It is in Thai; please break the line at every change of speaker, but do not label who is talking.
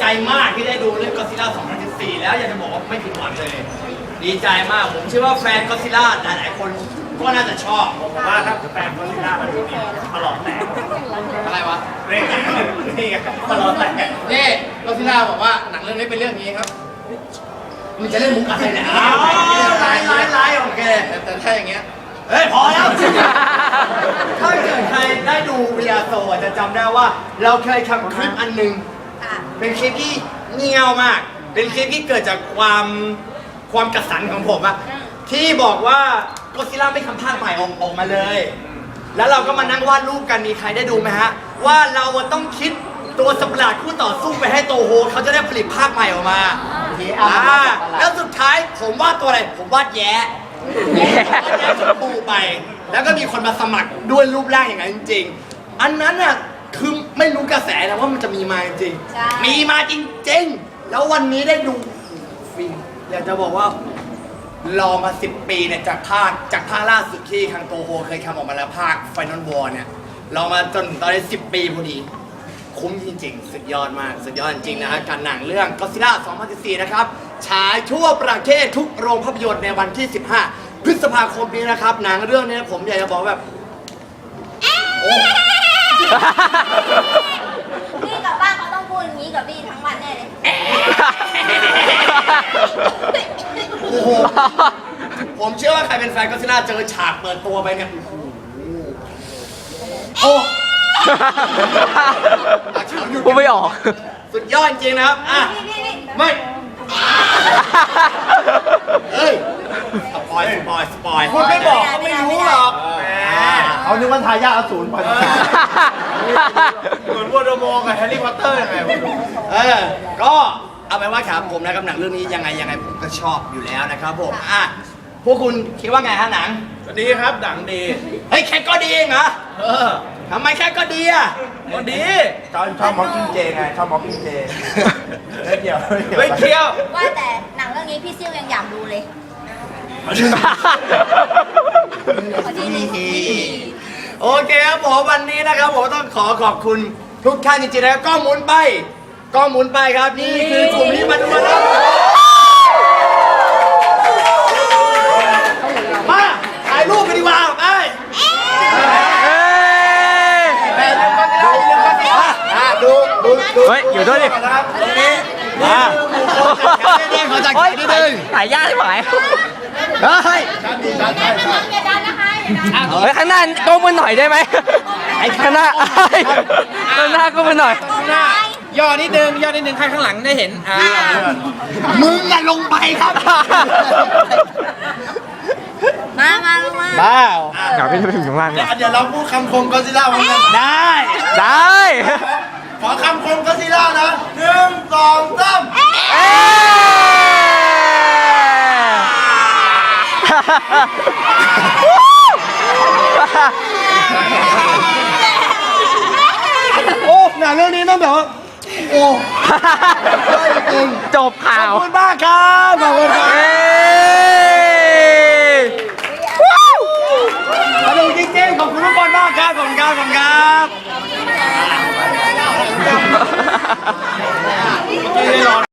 มากที่ได้ดูเรื่องก็อดซิลล่า 2014 แล้วอยากจะบอกว่าไม่ผิดหวังเลย ดีใจมากผมเชื่อว่าแฟนก็อดซิลล่าหลายๆคนก็น่าจะชอบผมว่าถ้าแฟนก็อดซิลล่ามาดูนี่ตลอดแตกอะไรวะนี่ไงตลอดแตกนี่ก็อดซิลล่าบอกว่าหนังเรื่องนี้เป็นเรื่องนี้ครับมันจะเล่นมุกอะไรเนี่ยไล่โอเคแต่ถ้าอย่างเงี้ยเฮ้ยพอแล้วถ้าเกิดใครได้ดูเรียโซจะจำได้ว่าเราเคยทำคลิปอันหนึ่งเป็นคลิปที่เงียวมากเป็นคลิปที่เกิดจากความกระสันของผมอะที่บอกว่าก็อดซิลล่าไม่ทำภาคใหม่ออกมาเลยแล้วเราก็มานั่งวาดรูปกันมีใครได้ดูไหมฮะว่าเราต้องคิดตัวสัตว์ประหลาดคู่ต่อสู้ไปให้โตโฮเขาจะได้ผลิตภาคใหม่ออกมาแล้วสุดท้ายผมวาดตัวอะไรผมวาดแย้ชมพูไปแล้วก็มีคนมาสมัครด้วยรูปร่างอย่างนั้นจริงๆอันนั้นน่ะคือไม่รู้กระแสนะว่ามันจะมีมาจริงมีมาจริงๆแล้ววันนี้ได้ดูฟิล์มอยากจะบอกว่ารอมา10 ปีเนี่ยจากภาคล่าสุดที่คังโตโฮเคยทำออกมาแล้วภาค Final War เนี่ยรอมาจนตอนนี้10 ปีพอดีคุ้มจริงๆสุดยอดมากสุดยอดจริงนะฮะการหนังเรื่องก็อดซิลล่า 2014 นะครับฉายทั่วประเทศทุกโรงภาพยนตร์ในวันที่ 15 พฤษภาคมนี้นะครับหนังเรื่องนี้ผมอยากจะบอกแบบโอ้
พี่กับบ้านเขาต้องพูดอย่างนี้กับพี่ทั้งวันแน่เลย
โอ้โหผมเชื่อว่าใครเป็นแฟนก็อดซิลล่าเจอฉากเปิดตัวไปเนี่ยโอ้
พูดไม่ออก
สุดยอดจริงนะครับอ่ะไม่เฮ้ยสปอยคุณไม่บอกเขาไม่รู้หรอก
เขานึกว่าทายาทอสูรไป
เหมือนวอร์ดมอร์กับแฮร์รี่พอตเตอร์ยังไงก็เอาไปว่าครับผมนะครับหนังเรื่องนี้ยังไงผมก็ชอบอยู่แล้วนะครับผมอ่ะพวกคุณคิดว่าไงฮะหนัง
ดีครับหนังดี
เฮ้ยแค่ก็ดีเองเหรอทำไมแค่ก็ดีอ่ะ
ก็ดีชอบมอคกิ้งเจไงชอบมอคกิ้งเจไม่เกี่ยว
ว่าแต่หนังเรื่องนี้พี่ซิ่วยังอยากดูเลย
โอเคครับผมวันนี้นะครับผมต้องขอบคุณทุกท่านจริงๆนะครับกล้องหมุนไปครับนี่คือกลุ่มที่มาดูแล้วมาถ่ายรูปกันดีกว่าไปดู
เฮ้ยอยู่ด้วยดิ
ตรงนี้เขาจะนิดนึง
ถ่ายยากที่หมาย
เฮ้ย
เฮ้ยข้างหน้าก้มมือหน่อยได้ไหมไอ้ข้างหน้าก้มมือหน่อย
ย่อนิดนึงใครข้างหลังได้เห็น
มึงอย่าลงไปครับ
มาลงมา
อยากพี่จะไปถึงข้างล่าง
เดี๋ยวเราพูดคำคมก็อดซิลล่าพร้อมกัน
ได้
ขอคำคมก็อดซิลล่านะ1 2 3โอ้หนังเรื่องนี้ต้องแบบว่าโอ้จริง
จบข่าว
ขอบคุณมากครับขอบคุณครับ